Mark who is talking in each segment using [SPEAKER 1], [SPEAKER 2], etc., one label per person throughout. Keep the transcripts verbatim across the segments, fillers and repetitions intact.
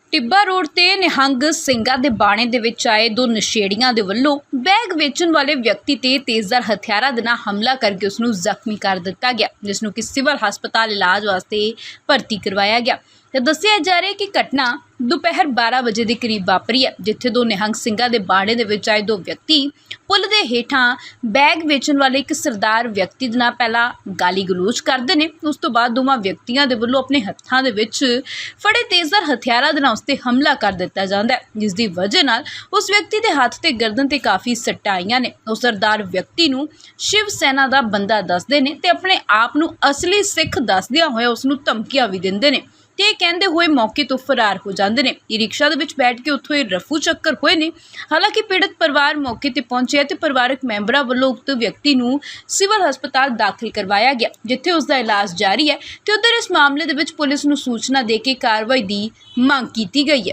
[SPEAKER 1] ਟਿੱਬਾ road ਤੇ ਨਿਹੰਗ ਸਿੰਘਾਂ ਦੇ ਬਾਣੇ ਦੇ ਵਿੱਚ ਆਏ ਦੋ ਨਸ਼ੇੜੀਆਂ ਦੇ ਵੱਲੋਂ ਬੈਗ ਵੇਚਣ ਵਾਲੇ ਵਿਅਕਤੀ ਤੇ ਤੇਜ਼ਧਾਰ ਹਥਿਆਰਾਂ ਦੇ ਨਾਲ ਹਮਲਾ ਕਰਕੇ ਉਸ ਨੂੰ ਜ਼ਖਮੀ ਕਰ ਦਿੱਤਾ ਗਿਆ, ਜਿਸ ਨੂੰ ਕਿ ਸਿਵਲ ਹਸਪਤਾਲ ਇਲਾਜ ਵਾਸਤੇ ਭਰਤੀ ਕਰਵਾਇਆ ਗਿਆ। ਤੇ ਦੱਸਿਆ ਜਾ ਰਿਹਾ ਹੈ ਕਿ ਘਟਨਾ ਦੁਪਹਿਰ ਬਾਰਾਂ ਵਜੇ ਦੇ ਕਰੀਬ ਵਾਪਰੀ ਹੈ, ਜਿੱਥੇ ਦੋ ਨਿਹੰਗ ਸਿੰਘਾਂ ਦੇ ਬਾਣੇ ਦੇ ਵਿੱਚ ਆਏ ਦੋ ਵਿਅਕਤੀ ਪੁਲ ਦੇ ਹੇਠਾਂ ਬੈਗ ਵੇਚਣ ਵਾਲੇ ਇੱਕ ਸਰਦਾਰ ਵਿਅਕਤੀ ਦੇ ਨਾਲ ਪਹਿਲਾਂ ਗਾਲੀ ਗਲੋਚ ਕਰਦੇ ਨੇ। ਉਸ ਤੋਂ ਬਾਅਦ ਦੋਵਾਂ ਵਿਅਕਤੀਆਂ ਦੇ ਵੱਲੋਂ ਆਪਣੇ ਹੱਥਾਂ ਦੇ ਵਿੱਚ ਫੜੇ ਤੇਜ਼ਧਾਰ ਹਥਿਆਰਾਂ ਦੇ ਨਾਲ ਉਸ 'ਤੇ ਹਮਲਾ ਕਰ ਦਿੱਤਾ ਜਾਂਦਾ ਹੈ, ਜਿਸ ਦੀ ਵਜ੍ਹਾ ਨਾਲ ਉਸ ਵਿਅਕਤੀ ਦੇ ਹੱਥ ਤੇ ਗਰਦਨ ਤੇ ਕਾਫੀ ਸੱਟਾਂ ਆਈਆਂ ਨੇ। ਉਹ ਸਰਦਾਰ ਵਿਅਕਤੀ ਨੂੰ ਸ਼ਿਵ ਸੈਨਾ ਦਾ ਬੰਦਾ ਦੱਸਦੇ ਨੇ ਤੇ ਆਪਣੇ ਆਪ ਨੂੰ ਅਸਲੀ ਸਿੱਖ ਦੱਸਦਿਆਂ ਹੋਇਆ ਉਸ ਨੂੰ ਧਮਕੀਆਂ ਵੀ ਦਿੰਦੇ ਨੇ ਤੇ ਕਹਿੰਦੇ ਹੋਏ ਮੌਕੇ ਤੋਂ ਫਰਾਰ ਹੋ ਜਾਂਦੇ ਨੇ। ਇਹ ਰਿਕਸ਼ਾ ਦੇ ਵਿੱਚ ਬੈਠ ਕੇ ਉੱਥੋਂ ਇਹ ਰਫੂ ਚੱਕਰ ਹੋਏ ਨੇ। ਹਾਲਾਂਕਿ ਪੀੜਤ ਪਰਿਵਾਰ ਮੌਕੇ ਤੇ ਪਹੁੰਚਿਆ ਤੇ ਪਰਿਵਾਰਕ ਮੈਂਬਰਾਂ ਵੱਲੋਂ ਉਕਤ ਵਿਅਕਤੀ ਨੂੰ ਸਿਵਲ ਹਸਪਤਾਲ ਦਾਖਲ ਕਰਵਾਇਆ ਗਿਆ, ਜਿੱਥੇ ਉਸ ਦਾ ਇਲਾਜ ਜਾਰੀ ਹੈ ਤੇ ਉਧਰ ਇਸ ਮਾਮਲੇ ਦੇ ਵਿੱਚ ਪੁਲਿਸ ਨੂੰ ਸੂਚਨਾ ਦੇ ਕੇ ਕਾਰਵਾਈ ਦੀ ਮੰਗ ਕੀਤੀ ਗਈ ਹੈ।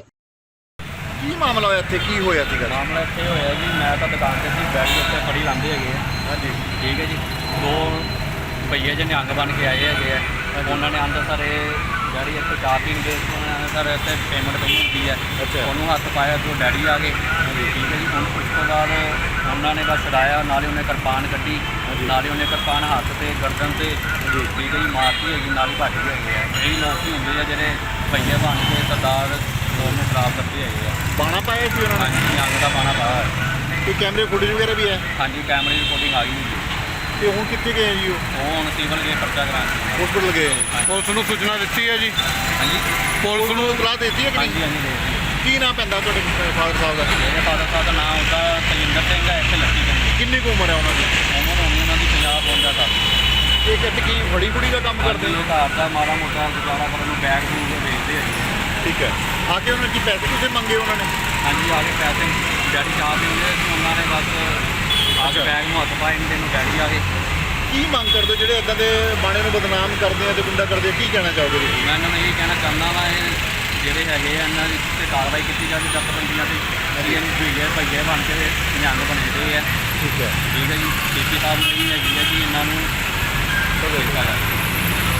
[SPEAKER 2] ਕੀ ਮਾਮਲਾ ਹੋਇਆ ਇੱਥੇ, ਕੀ ਹੋਇਆ ਸੀਗਾ?
[SPEAKER 3] ਮਾਮਲਾ ਇੱਥੇ ਹੋਇਆ ਜੀ, ਮੈਂ ਤਾਂ ਦੁਕਾਨ ਤੇ ਸੀ, ਬੈਠ ਕੇ ਉੱਤੇ ਫੜੀ ਲਾਉਂਦੇ ਹੈਗੇ ਆ।
[SPEAKER 2] ਹਾਂਜੀ
[SPEAKER 3] ਠੀਕ ਹੈ ਜੀ। ਦੋ ਭਈਏ ਜਿਹੇ ਨਿਹੰਗ ਬਣ ਕੇ ਆਏ ਹੈਗੇ ਆ। ਉਹਨਾਂ ਨੇ ਆਂਦੇ ਸਾਰੇ ਡੈਡੀ ਇੱਥੇ ਚਾਹ ਪੀਣ ਗਏ, ਉਹਨਾਂ ਨੇ ਸਰ ਇੱਥੇ ਪੇਮੈਂਟ ਪਈ ਹੁੰਦੀ ਹੈ।
[SPEAKER 2] ਅੱਛਾ।
[SPEAKER 3] ਉਹਨੂੰ ਹੱਥ ਪਾਇਆ ਤੇ ਉਹ ਡੈਡੀ ਆ ਗਏ। ਠੀਕ ਹੈ ਜੀ। ਹੁਣ ਉਸ ਤੋਂ ਬਾਅਦ ਉਹਨਾਂ ਨੇ ਬਸ ਛਡਾਇਆ, ਨਾਲੇ ਉਹਨੇ ਕਿਰਪਾਨ ਕੱਢੀ, ਨਾਲੇ ਉਹਨੇ ਕਿਰਪਾਨ ਹੱਥ ਤੇ ਗਰਦਨ ਤੇ ਠੀਕ ਹੈ ਜੀ ਮਾਰਤੀ ਹੈਗੀ, ਨਾਲ ਹੀ ਭੱਜ ਗਏ ਹੈਗੇ ਆ। ਕਈ ਲੋਕ ਹੀ ਹੁੰਦੇ ਆ ਜਿਹੜੇ ਭਈਏ ਬਣ ਕੇ ਸਰਦਾਰ ਲੋਕ ਨੂੰ ਖਰਾਬ ਕਰਦੇ ਹੈਗੇ ਆ।
[SPEAKER 2] ਬਾਣਾ ਪਾਇਆ ਸੀ ਉਹਨਾਂ ਨੇ?
[SPEAKER 3] ਹਾਂਜੀ, ਨਿਹੰਗ ਦਾ ਬਾਣਾ ਪਾਇਆ ਹੈ।
[SPEAKER 2] ਕੋਈ ਕੈਮਰੇ ਫੁਟੇਜ ਵਗੈਰਾ ਵੀ ਹੈ?
[SPEAKER 3] ਹਾਂਜੀ, ਕੈਮਰੇ ਦੀ ਰਿਪੋਰਟਿੰਗ ਆ ਗਈ।
[SPEAKER 2] ਤੇ ਹੁਣ ਕਿੱਥੇ ਗਏ ਜੀ? ਉਹ
[SPEAKER 3] ਉਹ ਹੁਣ ਸਿਵਲ ਗਏ ਪਰਚਾ ਕਰਾਉਣ।
[SPEAKER 2] ਹਸਪੀਟਲ ਗਏ।
[SPEAKER 4] ਪੁਲਿਸ ਨੂੰ ਸੂਚਨਾ ਦਿੱਤੀ ਹੈ ਜੀ?
[SPEAKER 3] ਹਾਂਜੀ
[SPEAKER 2] ਪੁਲਿਸ ਨੂੰ ਇਤਲਾਹ ਦੇ ਦਿੱਤੀ ਹੈ ਕਿ
[SPEAKER 3] ਹਾਂਜੀ
[SPEAKER 2] ਨਹੀਂ?
[SPEAKER 3] ਹਾਂਜੀ ਦੇ
[SPEAKER 2] ਕੀ ਨਾਮ ਪੈਂਦਾ ਤੁਹਾਡੇ ਫਾਦਰ ਸਾਹਿਬ ਦਾ?
[SPEAKER 3] ਮੇਰੇ ਫਾਦਰ ਸਾਹਿਬ ਦਾ ਨਾਮ ਹੁੰਦਾ ਤਜਿੰਦਰ ਸਿੰਘ ਹੈ, ਇੱਥੇ ਲੱਕੀ ਪਿੰਡ।
[SPEAKER 2] ਕਿੰਨੀ ਕੁ ਉਮਰ ਹੈ ਉਹਨਾਂ ਦੀ?
[SPEAKER 3] ਉਮਰ ਹੋਣੀ ਉਹਨਾਂ ਦੀ ਪੰਜਾਹ ਬਵੰਜਾ ਸਾਲ।
[SPEAKER 2] ਇਹ ਇੱਥੇ ਕੀ ਫੜੀ ਫੁੜੀ ਦਾ ਕੰਮ ਕਰਦੇ
[SPEAKER 3] ਕਰਦੇ
[SPEAKER 2] ਨੇ?
[SPEAKER 3] ਘਰ ਦਾ ਮਾੜਾ ਮੋਟਾ ਗੁਜ਼ਾਰਾ ਕਰਨ ਨੂੰ ਬੈਗ ਬੂਗ ਦੇ ਵੇਚਦੇ ਹੈਗੇ।
[SPEAKER 2] ਠੀਕ ਹੈ। ਆ ਕੇ ਉਹਨਾਂ ਕੀ ਪੈਸੇ ਤੁਸੀਂ ਮੰਗੇ ਉਹਨਾਂ ਨੇ?
[SPEAKER 3] ਹਾਂਜੀ, ਆ ਕੇ ਪੈਸੇ ਡੈਡੀ ਚਾਹ ਪੀਂਦੇ ਸੀ, ਉਹਨਾਂ ਨੇ ਬਸ ਆ ਕੇ ਬੈਗ ਨੂੰ ਹੱਥ ਪਾਏ ਨੇ, ਨੂੰ ਡੈਡੀ ਆ ਗਏ।
[SPEAKER 2] ਕੀ ਮੰਗ ਕਰਦੇ ਹੋ ਜਿਹੜੇ ਇਦਾਂ ਦੇ ਬਾਣੇ ਨੂੰ ਬਦਨਾਮ ਕਰਦੇ ਆ ਤੇ ਗੁੰਡਾ ਕਰਦੇ ਆ? ਕੀ ਕਹਿਣਾ ਚਾਹੋਗੇ ਤੁਸੀਂ?
[SPEAKER 3] ਮੈਂ ਇਹਨਾਂ ਨੂੰ ਇਹ ਕਹਿਣਾ ਚਾਹੁੰਦਾ ਵਾ, ਇਹ ਜਿਹੜੇ ਹੈਗੇ ਆ ਇਹਨਾਂ ਦੀ ਤੇ ਕਾਰਵਾਈ ਕੀਤੀ ਜਾਵੇ ਜੱਟਬੰਦੀਆਂ ਤੇ। ਅਸੀਂ ਇਹਨੂੰ ਭਈਏ ਭਈਏ ਬਣ ਕੇ ਨਿਹੰਗ ਬਣੇ ਦੇ ਆ।
[SPEAKER 2] ਠੀਕ ਹੈ।
[SPEAKER 3] ਠੀਕ ਹੈ ਜੀ। ਡੀ ਪੀ ਸਾਹਿਬ ਨੂੰ ਇਹ ਹੈਗੀ ਹੈ ਕਿ ਇਹਨਾਂ ਨੂੰ